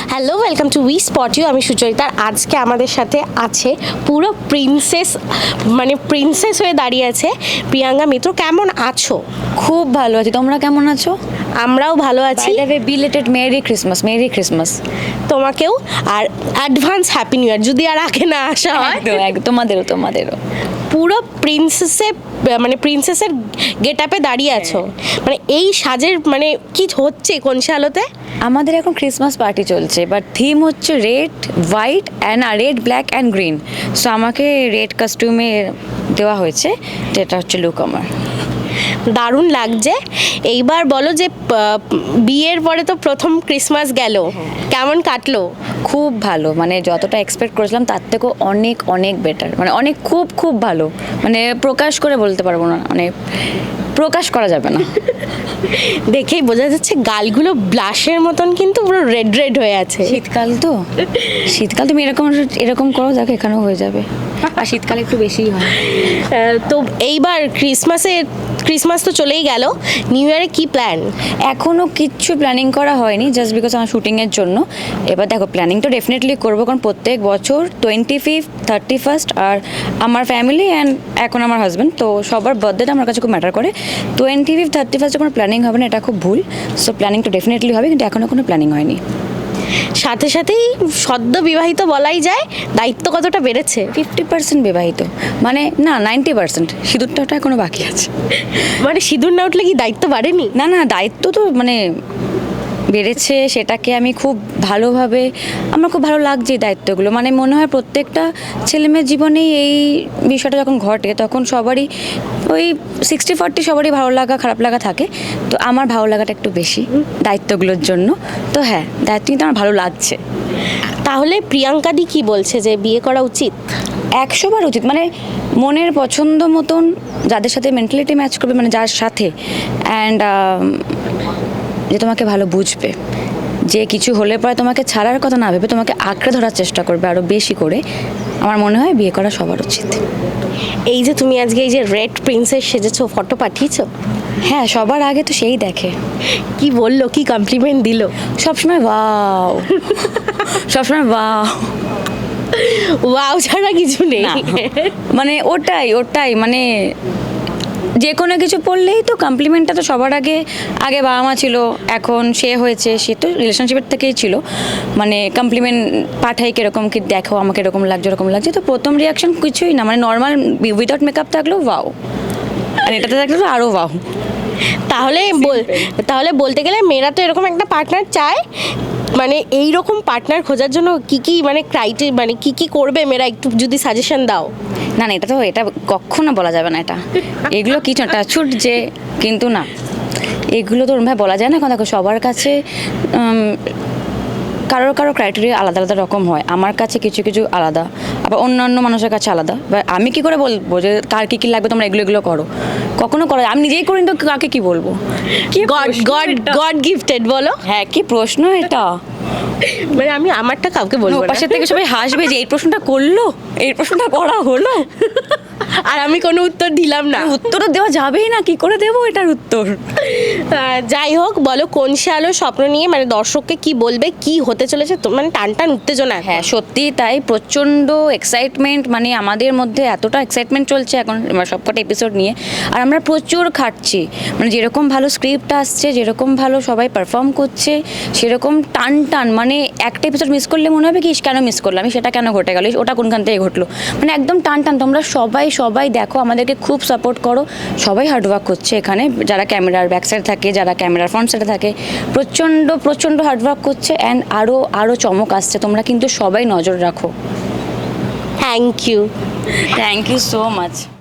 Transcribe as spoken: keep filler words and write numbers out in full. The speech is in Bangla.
Hello, welcome to we spot you. আমি সুচরিতার আজকে আমাদের সাথে আছে পুরো প্রিন্সেস, মানে প্রিন্সেস হয়ে দাঁড়িয়ে আছে প্রিয়াঙ্কা মিত্র। কেমন আছো? খুব ভালো আছি, তোমরা কেমন আছো? আমরাও ভালো আছি। Belated merry Christmas, merry Christmas তোমাকেও, আর অ্যাডভান্স হ্যাপি নিউ ইয়ার যদি আর আগে না আসা হয়। একদম একদম, তোমাদেরও তোমাদেরও। পুরো প্রিন্সেসে, মানে প্রিন্সেসের গেট আপে দাঁড়িয়ে আছো, মানে এই সাজের মানে কি হচ্ছে কোন আলোতে? আমাদের এখন ক্রিসমাস পার্টি চলছে, বাট থিম হচ্ছে red, white and red, black and green. So আমাকে রেড কস্টিউমে দেওয়া হয়েছে, যেটা হচ্ছে লুক আমার। দারুণ লাগছে। এইবার বলো যে আহ, বিয়ের পরে তো প্রথম ক্রিসমাস গেল, কেমন কাটলো? খুব ভালো, মানে যতটা এক্সপেক্ট করেছিলাম তার থেকেও অনেক অনেক বেটার, মানে অনেক খুব খুব ভালো, মানে প্রকাশ করে বলতে পারবো না, মানে প্রকাশ করা যাবে না। দেখেই বোঝা যাচ্ছে গালগুলো ব্লাশের মতন কিন্তু পুরো রেড রেড হয়ে আছে। শীতকাল তো, শীতকাল তুমি এরকম এরকম করো, যাকে এখানেও হয়ে যাবে, আর শীতকালে একটু বেশিই হয়। আহ, তো এইবার ক্রিসমাসে, ক্রিসমাস তো চলেই গেল, নিউ ইয়ারে কি প্ল্যান? এখনও কিচ্ছু প্ল্যানিং করা হয়নি, জাস্ট বিকজ আমার শুটিংয়ের জন্য। এবার দেখো, প্ল্যানিং তো ডেফিনেটলি করবো, কারণ প্রত্যেক বছর টোয়েন্টি ফিফথ, থার্টি ফার্স্ট আর আমার ফ্যামিলি অ্যান্ড এখন আমার হাজব্যান্ড, তো সবার বার্থডেটা আমার কাছে খুব ম্যাটার করে। টোয়েন্টি ফিফথ, থার্টি ফার্স্টে কোনো প্ল্যানিং হবে না, এটা খুব ভুল। সো প্ল্যানিং তো ডেফিনেটলি হবে, কিন্তু এখনও কোনো প্ল্যানিং হয়নি। সাথে সাথেই সদ্য বিবাহিত বলাই যায়, দায়িত্ব কতটা বেড়েছে? ফিফটি পার্সেন্ট বিবাহিত, মানে না নাইনটি পার্সেন্ট, সিঁদুরটা এখনও বাকি আছে। মানে সিঁদুর না উঠলে কি দায়িত্ব বাড়েনি? না না, দায়িত্ব তো মানে বেড়েছে, সেটাকে আমি খুব ভালোভাবে, আমার খুব ভালো লাগছে এই দায়িত্বগুলো। মানে মনে হয় প্রত্যেকটা ছেলেমেয়ের জীবনেই এই বিষয়টা যখন ঘটে, তখন সবারই ওই সিক্সটি ফর্টি সবারই ভালো লাগা খারাপ লাগা থাকে। তো আমার ভালো লাগাটা একটু বেশি দায়িত্বগুলোর জন্য। তো হ্যাঁ, দায়িত্ব কিন্তু আমার ভালো লাগছে। তাহলে প্রিয়াঙ্কা দি কি বলছে, যে বিয়ে করা উচিত? একশো বার উচিত, মানে মনের পছন্দ মতন যাদের সাথে মেন্টালিটি ম্যাচ করবে, মানে যার সাথে, অ্যান্ড যে তোমাকে ভালো বুঝবে, যে কিছু হলে পরে তোমাকে ছাড়ার কথা না ভেবে তোমাকে আঁকড়ে ধরার চেষ্টা করবে আরও বেশি করে, আমার মনে হয় বিয়ে করা সবার উচিত। এই যে তুমি আজকে এই যে রেড প্রিন্সেস সেজেছো, ফটো পাঠিয়েছো? হ্যাঁ, সবার আগে তো সেই দেখে। কি বললো, কি কমপ্লিমেন্ট দিল? সবসময় ওয়াও, সবসময় ওয়াও, ওয়াও ছাড়া কিছু নেই। না, মানে ওটাই ওটাই মানে যে কোনো কিছু পড়লেই তো কমপ্লিমেন্টটা তো সবার আগে। আগে বাবা মা ছিল, এখন সে হয়েছে, সে তো রিলেশনশিপের থেকেই ছিল, মানে কমপ্লিমেন্ট পাঠাই কীরকম কি দেখো আমাকে এরকম লাগছে এরকম লাগছে। তো প্রথম রিয়াকশন কিছুই না, মানে নর্মাল উইদাউট মেকআপ থাকলেও ওয়াও, আর এটাতে থাকলে তো আরও ওয়াও। তাহলে বল- তাহলে বলতে গেলে মেয়েরা তো এরকম একটা পার্টনার চায়, মানে এই রকম পার্টনার খোঁজার জন্য কি কি মানে ক্রাইটেরিয়া, মানে কি কি করবে মেয়েরা, একটু যদি সাজেশন দাও। না না, এটা তো এটা কখনো বলা যাবে না, এটা এগুলো কিছু না, ছুট যে, কিন্তু না, এগুলো তো ওরমভাবে বলা যায় না। এখন দেখো সবার কাছে কারোর কারো ক্রাইটেরিয়া আলাদা আলাদা রকম হয়, আমার কাছে কিছু কিছু আলাদা, আবার অন্যান্য মানুষের কাছে আলাদা। এবার আমি কি করে বলবো যে কার কী কী লাগবে তোমরা এগুলো এগুলো করো? কখনো করো, আমি নিজেই করি, তো কাকে কি বলবো? গড গড গড গিফটেড বলো। হ্যাঁ, কি প্রশ্ন এটা! মানে আমি আমারটা কাউকে বলবো না। পাশের থেকে সবাই হাসবে যে এই প্রশ্নটা করলো, এই প্রশ্নটা করা হলো, আর আমি কোনো উত্তর দিলাম না। উত্তরও দেওয়া যাবেই না, কি করে দেবো এটার উত্তর? আহ, যাই হোক, বলো কোন সে আলো স্বপ্ন নিয়ে, মানে দর্শককে কি বলবে, কি হতে চলেছে, তো মানে টান টান উত্তেজনা। হ্যাঁ সত্যি তাই, প্রচণ্ড এক্সাইটমেন্ট, মানে আমাদের মধ্যে এতটা এক্সাইটমেন্ট চলছে এখন সবকটা এপিসোড নিয়ে, আর আমরা প্রচুর খাটছি, মানে যেরকম ভালো স্ক্রিপ্ট আসছে, যেরকম ভালো সবাই পারফর্ম করছে, সেরকম টান টান, মানে একটা এপিসোড মিস করলে মনে হবে কি কেন মিস করলাম, সেটা কেন ঘটে গেল, ওটা কোনখান থেকে ঘটলো, মানে একদম টান টান। তোমরা সবাই সবাই দেখো, আমাদেরকে খুব সাপোর্ট করো, সবাই হার্ডওয়ার্ক করছে এখানে, যারা ক্যামেরার ব্যাক সাইড থাকে, যারা ক্যামেরার ফ্রন্ট সাইডে থাকে, প্রচণ্ড প্রচণ্ড হার্ডওয়ার্ক করছে, অ্যান্ড আরও আরও চমক আসছে, তোমরা কিন্তু সবাই নজর রাখো। Thank you. Thank you so much.